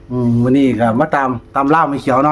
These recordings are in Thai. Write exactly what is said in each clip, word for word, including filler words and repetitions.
อืมวันนี้ก็มาตามตามล่าไม่เขียวเนาะ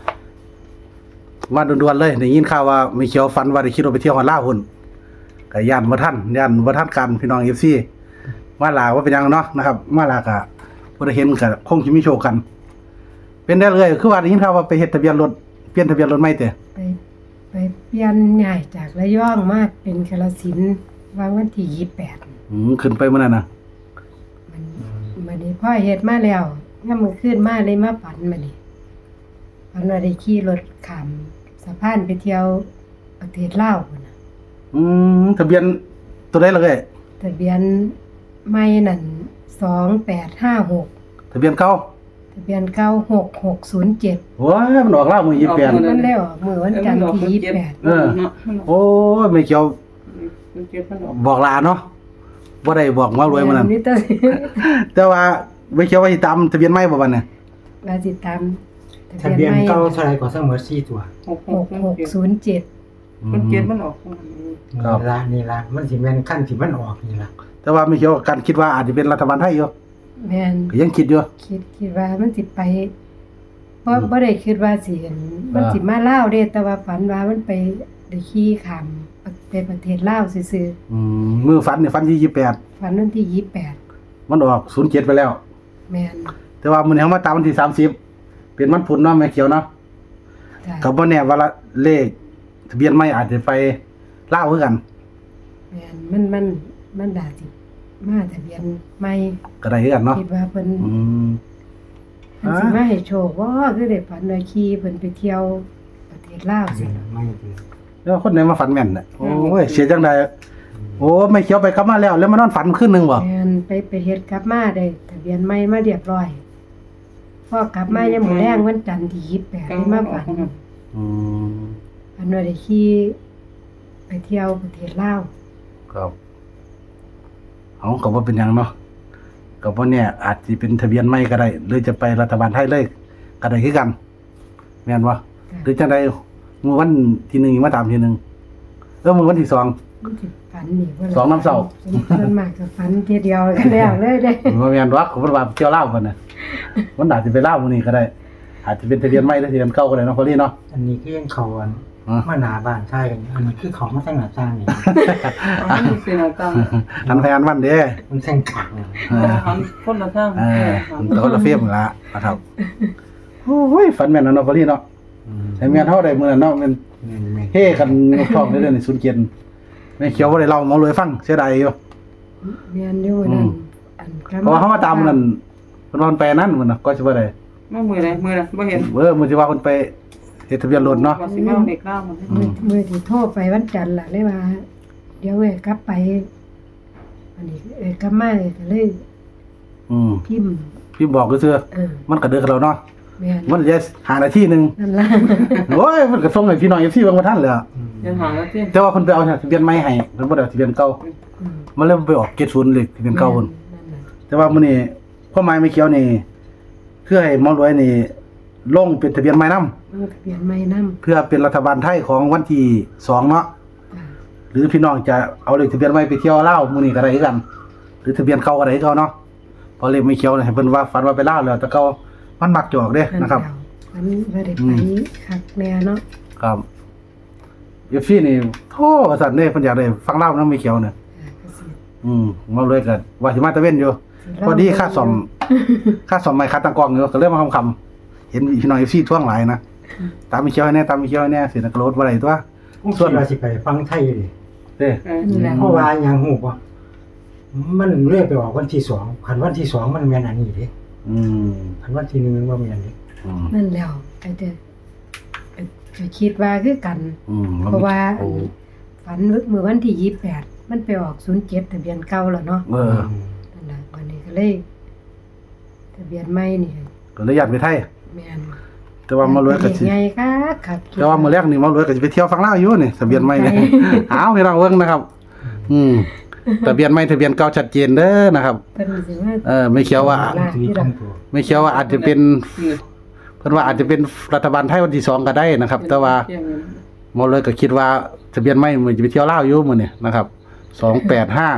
มาด่วนๆเลยได้ยินข่าวว่าไม่เขียวฝันว่าได้คิดว่าไปเที่ยวฮอดลาวพุ่นก็ย่านบ่ทันย่านบ่ทันกันพี่น้อง เอฟ ซี มาลาว่าเป็นหยังเนาะนะครับมาลาก็บ่ได้เห็นก็คงสิมีโชคกัน เป็นได้เลยคือว่าได้ยินข่าวว่าไปเฮ็ดทะเบียนรถเปลี่ยนทะเบียนรถใหม่เด้ไปไปเปลี่ยนใหญ่จากระยองมาเป็นกาฬสินธุ์วางวันที่ยี่สิบแปดอืมขึ้นไปมื้อนั้นน่ะมันบัดนี้พ่อเฮ็ดมาแล้วยามมื้อคืนมาเลยมาฝันบัดนี้ฝันว่าได้ขี่รถข้ามสะพานไปเที่ยวประเทศลาวพุ่นน่ะอืมทะเบียนตัวใดล่ะเอ้ยทะเบียนใหม่นั่นสองแปดห้าหกทะเบียนเก่าทะเบียนเก่าหกหกศูนย์เจ็ดโอ้ยมันออกลาวมื้อยี่สิบแปดมันได้ออกมื้อวันจันทร์ที่ยี่สิบแปดเออโอ้ยไม่เขียวบอกลาเนาะบ่ได้บอกมารวยมื้อนั้นมีแต่แต่ว่าไม่เขียวว่าสิตามทะเบียนใหม่บ่บัดเนี่ยว่าสิตามทะเบียนเก่าเท่าไหร่ก็เสมอสี่ตัวหกหกศูนย์เจ็ดมันเจ็ดมันออกครับนี่ละนี่ละมันสิแม่นขั้นที่มันออกนี่ละแต่ว่าไม่เขียวกันคิดว่าอาจจะเป็นรัฐบาลไทยอยู่แม่นก็ยังคิดอยู่คิดคิดว่ามันสิไปบ่บ่ได้คิดว่าสิเห็นมันสิมาลาวเด้แต่ว่าฝันว่ามันไปได้ขี่ข้ามไปประเทศลาวซื่ออืมมือฝันนี่ฝันที่ยี่สิบแปดๆฝันวันที่ยี่สิบแปดมันออกศูนย์เจ็ดไปแล้วแม่นแต่ว่ามื้อนี้เฮามาตามวันที่สามสิบเป็นวันพุธเนาะแม่เขียวเนาะจ้ะก็บ่แน่ว่าละเลขทะเบียนใหม่อาจจะไปลาวคือกันแม่นมันมันมันดาสิมาทะเบียนใหม่ก็ได้คือกันเนาะคิดว่าเพิ่นอืมเพิ่นสิมาให้โชคว่าคือได้ฝันว่าขี่เพิ่นไปเที่ยวประเทศลาวทะเบีซิยนไม่ดีแล้วคนไหนมาฝันแม่นน่ะโอ้ยเสียจังไดโอ้ไม่เขียวไปกลับมาแล้ว แล้วมานอนฝันคืนนึงบ่แม่นไปไปเฮ็ดกลับมาได้ทะเบียนใหม่มาเรียบร้อยพอกลับมายามมื้อแลงวันจันทร์ที่ยี่สิบแปดได้มาฝันอืมฝันว่าได้ขี่ไปเที่ยวประเทศลาวครับเอาก็บ่เป็นหยังเนาะก็บ่แน่อาจสิเป็นทะเบียนใหม่ก็ได้หรือจะไปรัฐบาลไทยเลยก็ได้คือกันแม่นบ่หรือจังไดมื้อวันที่หนึ่งมาตามทีหนึงเออมื้อวันที่สองมันสิฝันนี่บ่ล่ะสองน้ำเศร้าส่วนมากก็ฝันทีเดียวกันแล้วเลยเด้บ่แม่นดอกเขาบ่ว่าเที่ยวลาวกันน่ะมันอาจสิไปลาวมื้อนี้ก็ได้ อาจจะเป็นทะเบียนใหม่หรือทะเบียนเก่าก็ได้เนาะพอลี่เนาะอันนี้คือยังเขาอันอ๋อมาหนาบ้านใช่กันอันนี้คือเขามาทั้งหน้าต่างนี่อันนี้เป็นอะไรต่างอันพยานวันเด้มันแท่งขังเออหันคนละทางเออมันคนละเฟรมนั่นละนะครับโอ้ยฝันแม่นเนาะพอลี่เนาะอืมให้แม่นเท่าใดมื้อนั้นเนาะแม่นแม่นแม่นเฮ้กันนกทองเรื่อยๆในศูนย์เกียนแม่เขียวบ่ได้เล่าหมอรวยฟังเสียดายอยู่แม่นอยู่นั่นอันกลับเพราะว่าเขามาตามนั่นเพิ่นว่าเพิ่นไปนั่นมื้อน่ะก็สิบ่ได้มามือไรมือไรบ่เห็นเออมื้อที่ว่าเพิ่นไปเฮ็ดทะเบียนรถเนาะว่าสิมาเด็กเล่ามันมื้อมื้อที่โทรไปวันจันทร์ล่ะเลยว่า เดี๋ยวเอ้ยกลับไปอันนี้เอ้ยกลับมาเอ้ยก็เลยอืมพิมพ์พี่บอกก็ซื่อเออมันก็เด้อกับเราเนาะแม่นมันจะหานาทีหนึงนั่นล่ะโอ้ยมันก็ส่งให้พี่น้อง เอฟ ซี เบิ่งบ่ทันเลยอะอืมยังหาแล้วที่แต่ว่าเพิ่นไปเอาทะเบียนใหม่ให้เพิ่นบ่ได้เอาทะเบียนเก่าอืมมันเลยไปออกเจ็ดศูนย์เลยทะเบียนเก่าเพิ่นนั่นน่ะแต่ว่ามื้อนี้ความหมายไม่เขียวนี่คือให้หมอรวยนี่ลงเป็นทะเบียนใหม่นํมันทะเบียนใหม่นำเพื่อเป็นรัฐบาลไทยของวันที่สองเนาะจ้ะหรือพี่น้องจะเอาเลขทะเบียนใหม่ไปเที่ยวลาวมื้อนี้ก็ได้คือกัน หรือทะเบียนเก่าก็ได้คือเก่าเนาะเพราะเลขไม่เขียวนี่ให้เพิ่นว่าฝันว่าไปลาวแล้วแต่เก่ามันมักจะออกเด้นะครับอันบ่ได้อืไปมคักแน่เนาะครับ เอฟ ซี นี่โธ่ว่าซั่นเด้เพิ่นอยากได้ฟังลาวนำไม่เขียวน่ะอ่าก็สิอืมหมอรวยก็ว่าสิมาตะเว้นอยู่สิพอดีค่าซ่อม ค่าซ่อมไม้ค่าตั้งกล้องอยู่ก็เลยมาคำๆเห็นพี่น้อง เอฟ ซี ท่วงหลายนะตามไม่เขียวให้แน่ตามไม่เขียวให้แน่สินะกระโดดบ่ได้ตัวผมคิดว่าสิไปฟังไทยดิเด้นี่แหละเพราะว่าหยังฮู้บ่มันเลื่อนไปออกวันที่สองคันวันที่สองมันแม่นอันนี้เด้อืมคันวันที่หนึ่งมันบ่แม่นเด้อืมนั่นแล้วไอ้เด้อก็คิดว่าคือกันอืมเพราะว่าโอ้ฝันเมื่อวันที่ยี่สิบแปดมันไปออกศูนย์เจ็ดทะเบียนเก่าแล้วเนาะเออนั่นล่ะวันนี้ก็เลยทะเบียนใหม่นี่ก็เลยอยากไปไทยแม่นแต่ว่าหมอรวยก็สิใหญ่คักคักแต่ว่ามื้อแรกนี่หมอรวยก็สิไปเที่ยวฟังลาวอยู่นี่ทะเบียนใหม่นี่ อ้าวพี่น้องเบิ่งนะครับ อืมทะเบียนใหม่ทะเบียนเก่าชัดเจนเด้อนะครับเพิ่นสิว่าเออไม่เขียวว่าที่ตรงตัวไม่เขียวว่าอาจจะเป็นเพิ่นว่าอาจจะเป็นรัฐบาลไทยวันที่สองก็ได้นะครับ แต่ว่าหมอเลยก็คิดว่าทะเบียนใหม่มันจะไปเที่ยวลาวอยู่มื้อนี้นะครับสองแปดห้า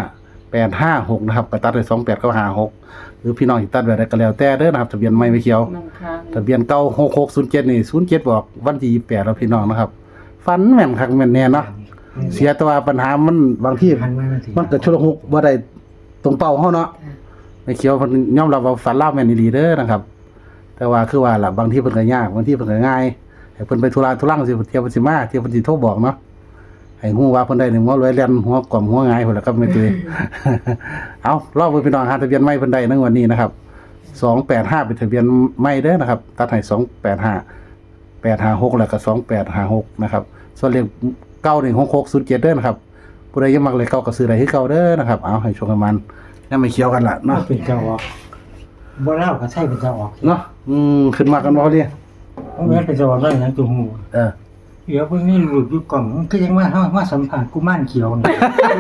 แปดห้าหกนะครับก็ตัดได้สองแปดก็ห้าหกหรือพี่น้องสิตัดแบบใดก็แล้วแต่เด้อนะครับทะเบียนไม่ไม่เขียวนั่งค้างทะเบียนเก่าหกหกศูนย์เจ็ดนี่ศูนย์เจ็ดบอกวันที่ยี่สิบแปดแล้วพี่น้องนะครับฟันแม่นคักแม่นแน่เนาะเสียแต่ว่าปัญหามันบางที่หันมามันสิมันเกิดชุลมุกบ่ได้ตรงเป้าเฮาเนาะจ้ะไม่เขียวเพิ่นยอมรับว่าฝันลาวแม่นอีหลีเด้อนะครับ แต่ว่าคือว่าล่ะบางทีเพิ่นก็ยากบางทีเพิ่นก็ง่ายให้เพิ่นไปธุระธุรังสิเที่ยวเพิ่นสิมาเที่ยวเพิ่นสิโทรบอกเนาะให้ฮู้ว่าเพิ่นได้นี่หัวรวยแล่นหัวกล่อมหัวหงายพุ่นล่ะครับแม่ตุ้ย เอารอบเบิ่งพี่น้องหาทะเบียนใหม่เพิ่นได้ในวันนี้นะครับสองแปดห้าเป็นทะเบียนใหม่เด้อนะครับตัดให้สองแปดห้า แปดห้าหกแล้วก็สองแปดห้าหกนะครับส่วนเลขเก้าหนึ่งหกหกศูนย์เจ็ดเด้อนะครับผู้ใดยังมักเลขเก้าก็ซื้อได้คือเก่าเด้อนะครับเอาให้ชมกันมันยังไม่เคี้ยวกันล่ะเนาะเนาะเป็นเจ้าออกบ่เล่าก็ใช่เป็นเจ้าออกเนาะอืมขึ้นมากันบ่เรียเพราะแม่นเป็นเจ้าออกแล้วอย่างตัวหมู่เออเดี๋ยวเพิ่งนี่หลุดอยู่กล่องมันก็ยังมาเฮามาสัมภาษณ์กุมารเขียวนี่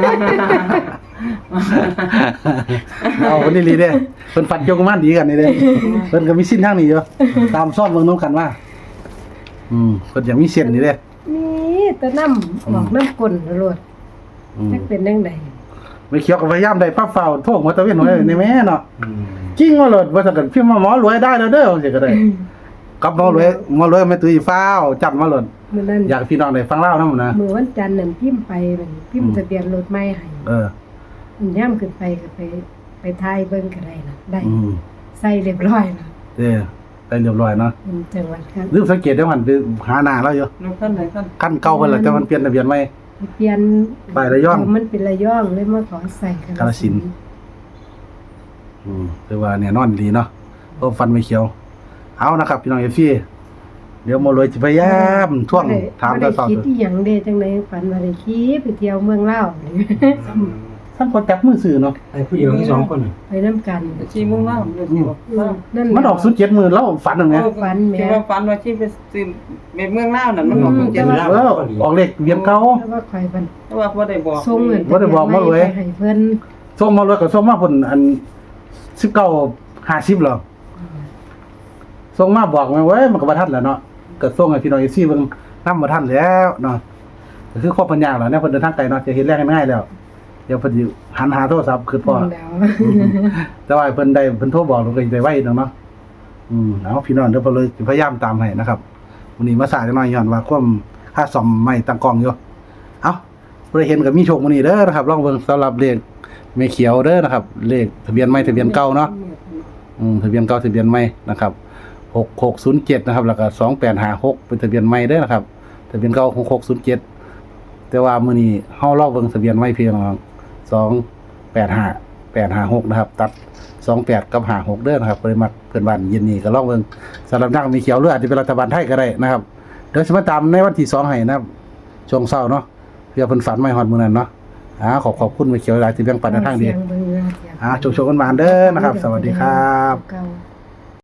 เอาคนนี้ลีเด้เพิ่นฟันโยกมันดีกันนี่เด้เพิ่นก็มีสิ้นทางนี้อยู่ตามซ่อนเบิ่งนํกันว่าอืมเพิ่นยังมีเส้นนี่เด้นี่แตะน้ำออกน้ำก้นโลดอืมจักเป็นจังได๋ไม่เคี้ยวก็พยายามได้ปั๊บเฝ้าโทษหัวตะเวนหัวในแม่เนาะอืมจริงว่าโลดว่าถ้าเกิดพิมพ์มาหมอรวยได้แล้วเด้อจังซี่ก็ได้กับหมอรวยหมอรวยแม่ตุ้ยฟ้าวจัดมาโลดมื้อนั้นอยากให้พี่น้องได้ฟังเล่านํนะมื้อวันจันทร์นั่นพิมพ์ไปนั่นพิมอืพ์มทะเบียนรถใหม่ให้เออมันย่ำขึ้นไปก็ไปไปทายเบิ่งก็ได้นะได้อืมใส่เรียบร้อยนะเด้อได้เรียบร้อยเนาะเป็นจังหวัดครับลืมสังเกตได้ว่ามันไปหาหน้าแล้วอยู่นกขั้นไหนขั้นคันเก่าเพิ่นล่ะแต่มันเปลี่ยนทะเบียนใหม่เปลี่ยนไประยองมันเป็นระยองเลยมาขอใส่กาฬสินธุ์ อืมคือว่าแน่นอนดีเนาะโอ้ฟันไม่เขียว เอานะครับพี่น้อง เอฟ ซี เดี๋ยวหมอรวยสิพยายามท่วงถามบ่ตาได้สาวคิดอีหยังเด้จังได๋ฝันว่าได้ขี่ไปเที่ยวเมืองลาวนี่ท่านคนจับมือซื้อเนาะไอ้ผู้เดียวมีสองคนน่ะไปนํกันชีมุ่งล่างเดี๋ยวชีบอกล่างนั่นมันออกศูนย์เจ็ดมือแล้วฝันตรงเนี้ยฝันแหม่ที่ว่าฝันว่าชีไปซื้อเมืองล่าวนั่นมันออกเป็นเจ็ดแต่ล่าว่าวเออออกเลขเวียนเก่าแต่ว่าข่อยบันแต่ว่าบ่ได้บอกส่งเงินบ่ได้บอกมาเลยไปให้เพิ่นส่งหมอรวยก็ส่งมาเพิ่นอันสิบเก้าห้าสิบหรอส่งมาบอกมาเว้ยมันก็บ่ทันแล้วเนาะก็ส่งให้พี่น้อง เอฟ ซี เบิ่งนำบ่ทันแล้วเนาะก็คือข้อปัญญาแล้วเนี่ยเพิ่นเดินทางไกลเนาะจะเฮ็ดแรงง่ายๆแล้ว เดี๋ยวเพิ่นสิหันหาโทรศัพท์คือพ่อแล้วแต่ว่าเพิ่นได้เพิ่นโทรบอกเราก็สิได้ไว้เนาะเนาะอืมเอาพี่น้องเดี๋ยวเพิ่นเลยสิพยายามตามให้นะครับวันนี้มาสายจักหน่อยย้อนว่าความค่าซ่อมใหม่ตั้งกล้องอยู่เอ้าบ่ได้เห็นก็มีโชคมื้อนี้เด้อนะครับลองเบิ่งสำหรับเลขแม่เขียวเด้อนะครับเลขทะเบียนใหม่ทะเบียนเก่าเนาะอืมทะเบียนเก่าทะเบียนใหม่นะครับหกหกศูนย์เจ็ดนะครับแล้วก็สองแปดห้าหกเป็นทะเบียนใหม่เด้อนะครับทะเบียนเก่าหกหกศูนย์เจ็ดแต่ว่ามื้อนี้เฮาลองเบิ่งทะเบียนใหม่พี่น้องสองแปดห้า แปดห้าหกนะครับตัดสองแปดกับห้าหกเด้อนะครับบ่ได้มักเพิ่นบ้านเย็นนี้ก็ลองเบิ่งสำหรับนักมีเขียวหรืออาจจะเป็นรัฐบาลไทยก็ได้นะครับเดี๋ยวสิมาตามในวันที่สองให้นะครับช่วงเช้าเนาะเพื่อเพิ่นฝันไม่ฮอดมื้อนั้นเนาะอ่าขอขอบคุณมีเขียวหลายที่แบ่งปันในทางดีเสียงเบิ่งเรือเสียงอ่าโชคๆกันมาเด้อนะครับ สวัสดีครับเก่า